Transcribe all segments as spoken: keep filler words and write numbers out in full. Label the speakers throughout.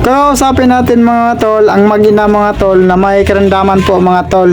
Speaker 1: Kakausapin natin mga tol, ang mag-ina mga tol na may karamdaman po mga tol.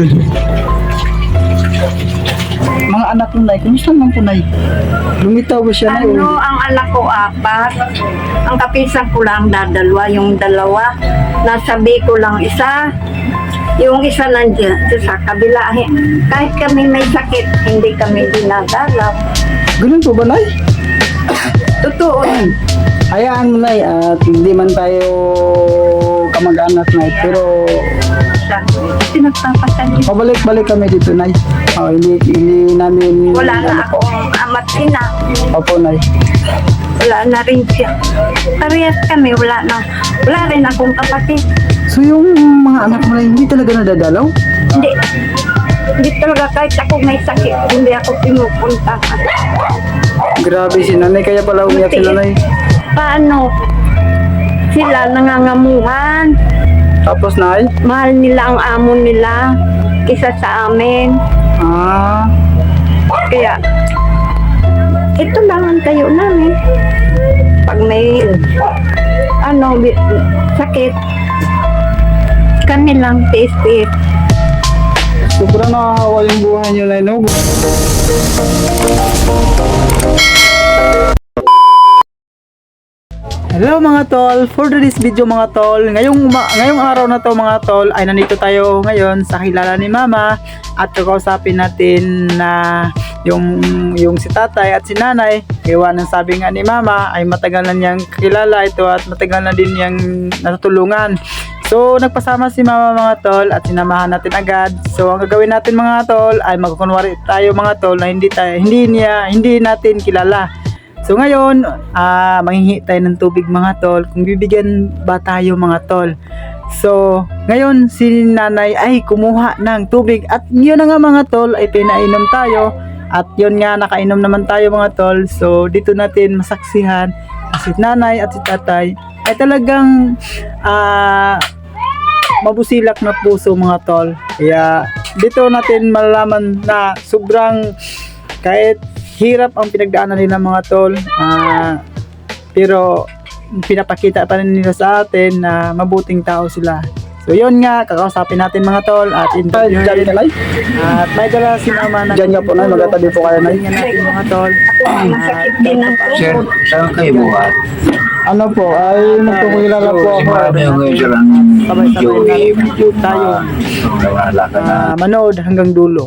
Speaker 1: Mga anak mo Nay, kumusta naman po Nay? Lumitaw ba siya Nay?
Speaker 2: Ano, ang anak ko apat. Ang kapisan ko lang dadalwa, yung dalawa. Nasabi ko lang isa. Yung isa nandiyan sa kabila. Kahit kami may sakit, hindi kami dinadalaw.
Speaker 1: Ganun po ba Nay?
Speaker 2: Totoo yun.
Speaker 1: Hayaan mo Nay, at hindi man tayo kamag-anak Nay, pero
Speaker 2: Pinagpapasal yun.
Speaker 1: pabalik-balik kami dito Nay. Oh, hindi, hindi namin
Speaker 2: Wala na
Speaker 1: ano po.
Speaker 2: akong amat ina.
Speaker 1: Opo Nay.
Speaker 2: Wala na rin siya. Parehas kami, wala na. Wala rin akong kapatid.
Speaker 1: So yung mga anak mo Nay, hindi talaga nadadalaw?
Speaker 2: Hindi. Hindi talaga kahit ako may sakit, hindi ako pinupunta.
Speaker 1: Grabe si Nanay, kaya pala umiyak si Nanay.
Speaker 2: Paano? Sila nangangamuhan.
Speaker 1: Tapos Nay?
Speaker 2: Mahal nila ang amo nila kisa sa amin.
Speaker 1: Ah,
Speaker 2: Kaya, ito lang ang tayo namin. Pag may, ano, bi- sakit, kami lang, tiis-tiis.
Speaker 1: sobrang nakakawa yung buhay niyo Nay, no? Hello mga tol, for this video mga tol, ngayong, ma- ngayong araw na to mga tol ay nandito tayo ngayon sa kilala ni Mama at kakausapin natin na yung, yung si tatay at si nanay. Iwan ng sabi nga ni Mama ay matagal na niyang kilala ito at matagal na din niyang natutulungan. So nagpasama si Mama mga tol at sinamahan natin agad. So ang gagawin natin mga tol ay magkunwari tayo mga tol na hindi tayo, hindi niya, hindi natin kilala. So ngayon, ah manghihingi tayo ng tubig mga tol, kung bibigyan ba tayo mga tol. So ngayon si nanay ay kumuha ng tubig at yun na nga mga tol ay pinainom tayo. At yun nga nakainom naman tayo mga tol. So dito natin masaksihan si nanay at si tatay ay talagang ah mabusilak na puso mga tol. Kaya dito natin malalaman na sobrang kahit hirap ang pinagdaanan nila mga tol, uh, pero pinapakita pa rin nila sa atin na mabuting tao sila. So yun nga, kakausapin natin mga tol at interviewin natin. At may dala si Mama na dyan nga po na, magatabi po kayo na natin mga tol.
Speaker 2: Masakit din ang
Speaker 3: Sir, saan kayo buhat?
Speaker 1: Ano po, ay nagpukilala po
Speaker 3: Si
Speaker 1: ako.
Speaker 3: Mami yung medyo lang medyo eh, medyo
Speaker 1: tayo.
Speaker 3: nawala ka na.
Speaker 1: Uh, manood hanggang dulo.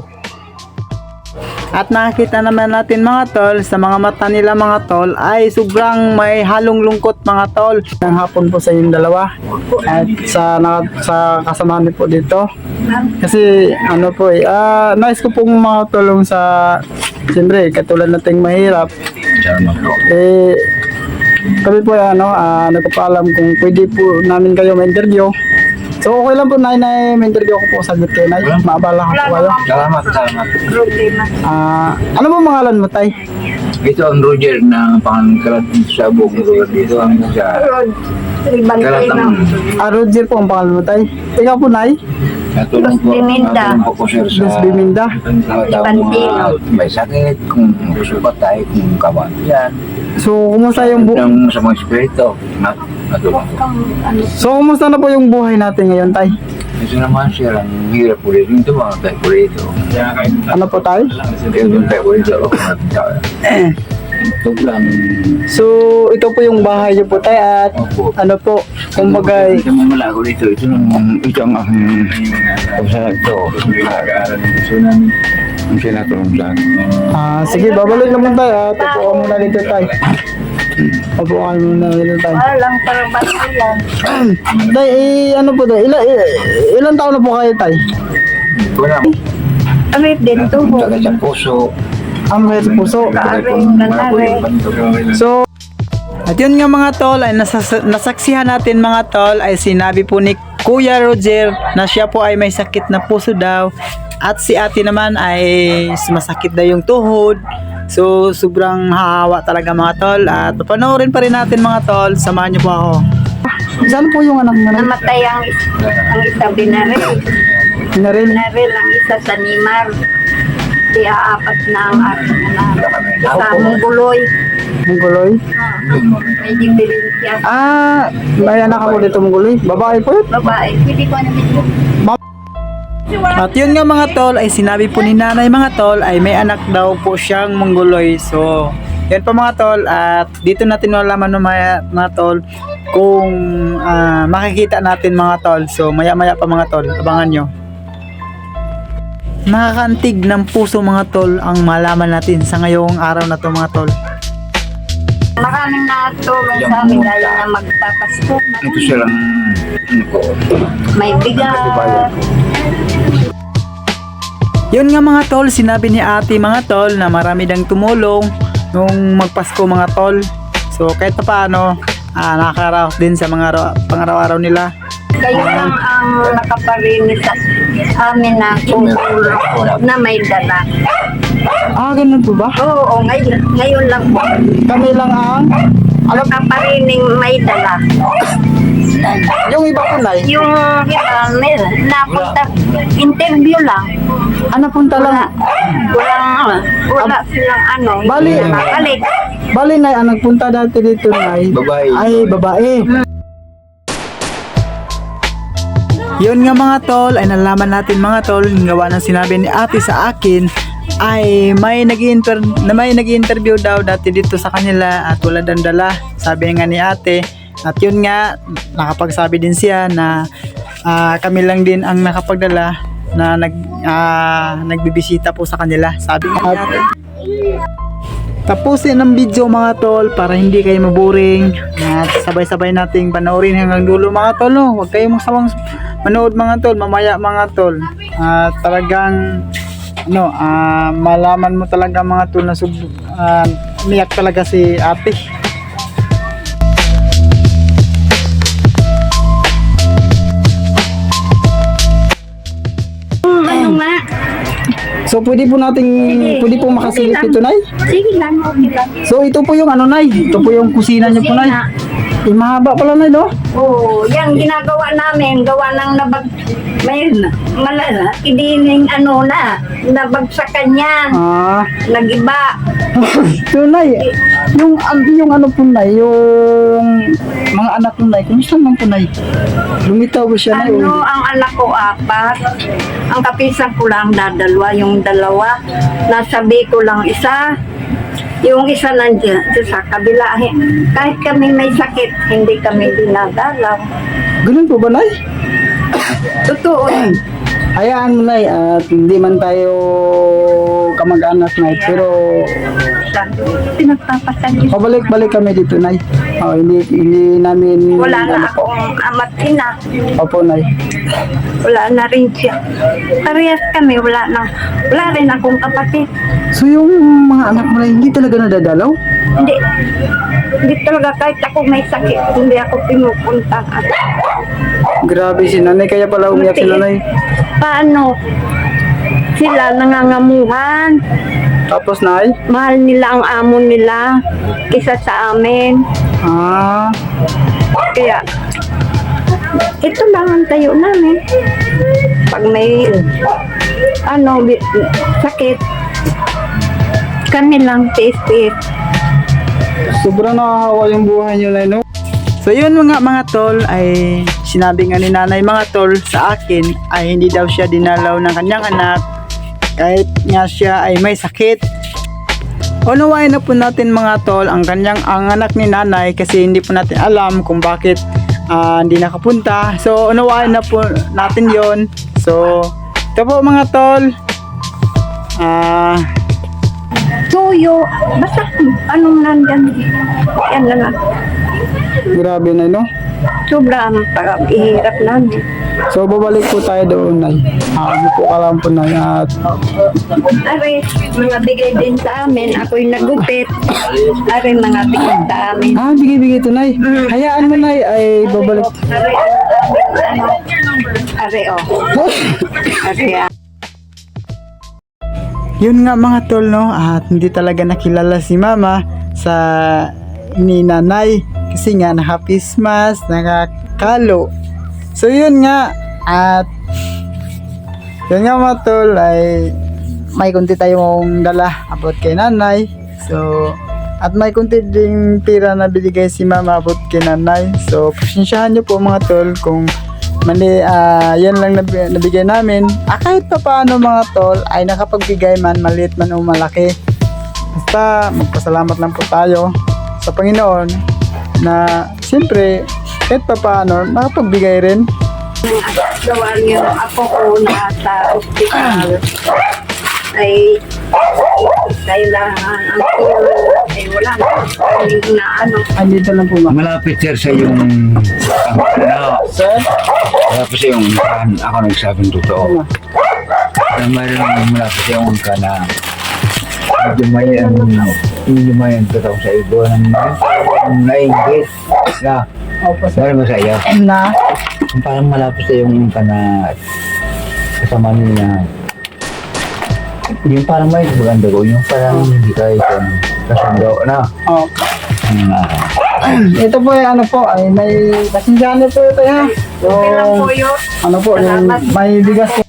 Speaker 1: At nakita naman natin mga tol, sa mga mata nila mga tol ay sobrang may halong lungkot mga tol. Ng hapon po sa inyong dalawa at sa, na, sa kasamahan niyo po dito. Kasi ano po eh, ah, nice ko pong makatulong sa, siyempre katulad nating mahirap.
Speaker 3: Salamat po.
Speaker 1: Eh, kami po ano, ah, nagpapaalam kung pwede po namin kayo ma-interview. So okay lang po Nay, Nay, may-interview ko po sa git kayo Nay, maabala ko po kayo.
Speaker 3: Salamat, salamat.
Speaker 2: problema.
Speaker 1: Ah, ano mo pangalan mo Tay?
Speaker 3: Ito ang Roger na pangkalat sa buong lugar dito. Ang sa
Speaker 2: Rod, ibantay na.
Speaker 3: kalatang
Speaker 1: Ah, Roger po ang pangalan mo Tay. Ikaw po Nay?
Speaker 3: natulong po.
Speaker 2: Biminda.
Speaker 3: Natulong po ko sir sa
Speaker 1: Luz Biminda.
Speaker 3: mga tao mga may sakit, kung gusto pa tayo, kung kawan yan.
Speaker 1: So kumusta yung bu
Speaker 3: Ng sa mga espiritu, nat natulong po.
Speaker 1: So kumusta na po yung buhay natin ngayon Tay?
Speaker 3: Ito naman sir, ang hirap po rin ito, mga tayo po rito.
Speaker 1: Ano po Tay?
Speaker 3: Kaya doon tayo po rito, ako natin sa ito lang.
Speaker 1: So ito po yung bahay niyo po Tay at
Speaker 3: Opo.
Speaker 1: ano po, kumbaga
Speaker 3: Ito mo malago dito. Ito ang ito ang aking sa ito. Nag-aaral ng gusto namin. Ang sinatulong sa akin.
Speaker 1: ah sige, babalik naman tayo. Ah, tupo ka muna dito Tay. Tupo ka muna dito Tay.
Speaker 2: Walang parabas yan.
Speaker 1: Tay, eh, ano po Tay? Ilan, ilan taon na po kayo Tay?
Speaker 3: Wala mo.
Speaker 2: Arit din to mo.
Speaker 3: Taga sa puso.
Speaker 1: Ang sa puso. So, at yun nga mga tol, ay nasas- nasaksihan natin mga tol, ay sinabi po ni Kuya Roger na siya po ay may sakit na puso daw. At si ate naman ay masakit daw yung tuhod. So, sobrang hahawa talaga mga tol. At papanoorin pa rin natin mga tol. Samahan niyo po ako. Saan po yung anak mo na?
Speaker 2: Namatay ang, ang isa binaril.
Speaker 1: Naril.
Speaker 2: Binaril ang isa sa Nimar. di aapat na ang aking anak. Sa Mungguloy.
Speaker 1: Mungguloy.
Speaker 2: May diferensya.
Speaker 1: Ah, may anak ako dito Mungguloy. Babae po yun.
Speaker 2: Babae. Pwede ko na dito.
Speaker 1: At yun nga mga tol, ay sinabi po ni nanay mga tol, ay may anak daw po siyang Mongoloy. So, yan po mga tol, at dito natin malaman ng mga, mga tol kung ah, makikita natin mga tol. So, maya maya pa mga tol, abangan nyo. Nakakaantig ng puso mga tol ang malaman natin sa ngayong araw na to mga tol.
Speaker 2: Maraming natulong sa amin dahil na magpapasko.
Speaker 3: Ito silang, ano ko,
Speaker 2: May bigat.
Speaker 1: Yun nga mga tol, sinabi ni ate mga tol na marami dang tumulong nung magpasko mga tol. So kahit pa paano, ah, nakakaraos din sa mga ara- pangaraw-araw nila.
Speaker 2: Kayo lang ang nakaparinis sa amin na tutulong na may dala.
Speaker 1: Ah, ganun po ba?
Speaker 2: Oo, ngayon, ngayon lang po.
Speaker 1: Kami lang ang, alam,
Speaker 2: Nakaparining may dala.
Speaker 1: yung iba po na
Speaker 2: Yung iba, may napunta, interview lang.
Speaker 1: ano punta lang,
Speaker 2: Walang, wala silang ano.
Speaker 1: Bali.
Speaker 2: hindi mabalik.
Speaker 1: bali na ang nagpunta dati dito na
Speaker 3: Babae.
Speaker 1: ay babae. Yun nga mga tol, ay nalaman natin mga tol, gawa ng sinabi ni ate sa akin, ay may nag-inter na may nag-interview daw dati dito sa kanila at wala daw dala, sabi nga ni ate. At yun nga, nakapagsabi din siya na ah, kami lang din ang nakapagdala na nag ah, nagbibisita po sa kanila, sabi nga ni ate. Tapusin ang video mga tol para hindi kayo maboring at sabay-sabay nating panoorin hanggang dulo mga tol. No? Huwag kayong magsawang manood mga tol, mamaya mga tol. At talagang no, ah, malaman mo talaga mga tol na sub, ah, umiyak talaga si ate.
Speaker 2: Ano nga?
Speaker 1: So pwede po nating pwede po makasilip ito nay.
Speaker 2: Sige lang, okay lang.
Speaker 1: So ito po yung ano nay, ito po yung kusina niyo po nay. Eh, mahaba pala nay no?
Speaker 2: Oo, yan ginagawa namin, gawa ng nabag, may malala, idining ano na, nabagsakan yan,
Speaker 1: Ah,
Speaker 2: nagiba.
Speaker 1: so nay, yung an- yung ano po nay, yung mga anak po nay, kumusta man po nay? Lumitaw ba siya nay?
Speaker 2: Ano, ang anak ko apat, ang kapisan ko lang dadalwa, yung dalawa, nasabi ko lang isa, yung isa nandiyan sa kabila. Kahit kami may sakit, hindi kami dinadalaw.
Speaker 1: Ganun po ba nay?
Speaker 2: Totoo yan.
Speaker 1: Hayaan mo nay, at hindi man tayo kamag-anak nay, pero
Speaker 2: Pinagpapasagis.
Speaker 1: pabalik-balik kami dito nay. Oh, hindi hindi namin
Speaker 2: Wala na
Speaker 1: ano po.
Speaker 2: akong amat ina.
Speaker 1: Opo nay.
Speaker 2: Wala na rin siya. Parehas kami, wala na. Wala rin akong kapatid.
Speaker 1: So yung mga anak mo nay, hindi talaga nadadalaw?
Speaker 2: Hindi. Hindi talaga kahit ako may sakit, hindi ako pinupunta.
Speaker 1: Grabe si nanay, kaya pala umiyak si nanay.
Speaker 2: Paano? Sila nangangamuhan.
Speaker 1: Tapos nay,
Speaker 2: Mahal nila ang amo nila kisa sa amin.
Speaker 1: ah,
Speaker 2: Kaya, ito lang ang tayo namin. Pag may, ano, bi- sakit, kami lang face-face.
Speaker 1: sobrang nakakawa yung buhay niyo nay no? So yun mga mga tol, ay sinabi nga ni nanay mga tol sa akin ay hindi daw siya dinalaw ng kanyang anak kahit nga siya ay may sakit. Unawain na po natin mga tol ang kanyang ang anak ni nanay kasi hindi po natin alam kung bakit ah, hindi nakapunta. So unawain na po natin yon. So ito po mga tol, ah
Speaker 2: Tuyo, basta anong nandyan. Yan na lang.
Speaker 1: grabe na no.
Speaker 2: Sobra ang pag-ihirap namin.
Speaker 1: So babalik po tayo doon nay. Ah, ano po ka lang po nay at
Speaker 2: Ari, mga bigay din sa amin. Ako'y nagupit. Ari, mga bigay sa amin.
Speaker 1: ah bigay-bigay to nay. Hayaan mo nay ay babalik.
Speaker 2: Ari, ano? Ari, oh. Ari, ah.
Speaker 1: Yun nga mga tol no, at hindi talaga nakilala si mama sa ni nanay kasi nga naka-face mask, nakakalo. So yun nga, at yun nga mga tol ay may kunti tayong dala about kay nanay. So, at may kunti ding pira na binigay si mama about kay nanay. So, pasensyahan nyo po mga tol kung mali, ah, yan lang nab- nabigay namin. Ah, kahit pa paano mga tol ay nakapagbigay man, maliit man o malaki. Basta magpasalamat lang po tayo sa Panginoon na siyempre kahit pa paano nakapagbigay rin.
Speaker 2: Gawa niyo ako ko na sa ospital ay kailangan ang tulong ay wala na hindi na ano.
Speaker 1: Ay, dito lang po ba?
Speaker 3: Malapit sir sa yung ano,
Speaker 1: Sir?
Speaker 3: malapit sa yung kan, ako nagsabing totoo. Na mayroon malapit sa yung kan na medyo may ano, medyo may ang totoo sa ibo ng nainggit na
Speaker 1: Opo, sir.
Speaker 3: mayroon masaya.
Speaker 1: Na?
Speaker 3: Parang malapit sa yung kan na kasama niya. Yung parang may maganda ko, yung parang hindi kayo kung kasundo na.
Speaker 1: Oh.
Speaker 3: Hmm.
Speaker 1: Ito po ay ano po, ay may pasensyahan niyo po ito ha. So,
Speaker 2: Okay lang po yun.
Speaker 1: ano po, yung
Speaker 2: Salamat.
Speaker 1: may bigas po.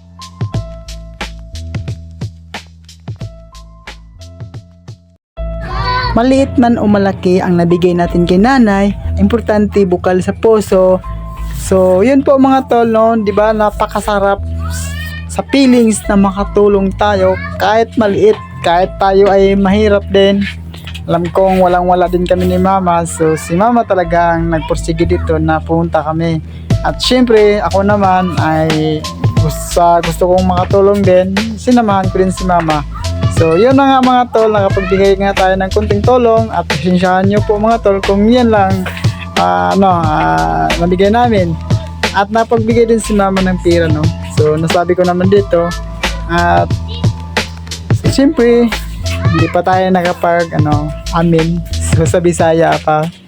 Speaker 1: Maliit man o malaki ang nabigay natin kay nanay, importante bukal sa puso. So, yun po mga tol, no? Di ba napakasarap sa feelings na makatulong tayo kahit maliit, kahit tayo ay mahirap din. Alam kong walang-wala din kami ni mama. So, si mama talagang nagpursige dito na pumunta kami. At syempre, ako naman ay gusto, gusto kong makatulong din. Sinamahan ko din si mama. So, yun na nga mga tol, nakapagbigay nga tayo ng kunting tulong at pasensyahan nyo po mga tol kung yan lang ah, ano, ah, nabigay namin. At napagbigay din si mama ng pira, no? So, nasabi ko naman dito at so, siyempre, hindi pa tayo nakapag, ano, amin. So, sa Bisaya pa.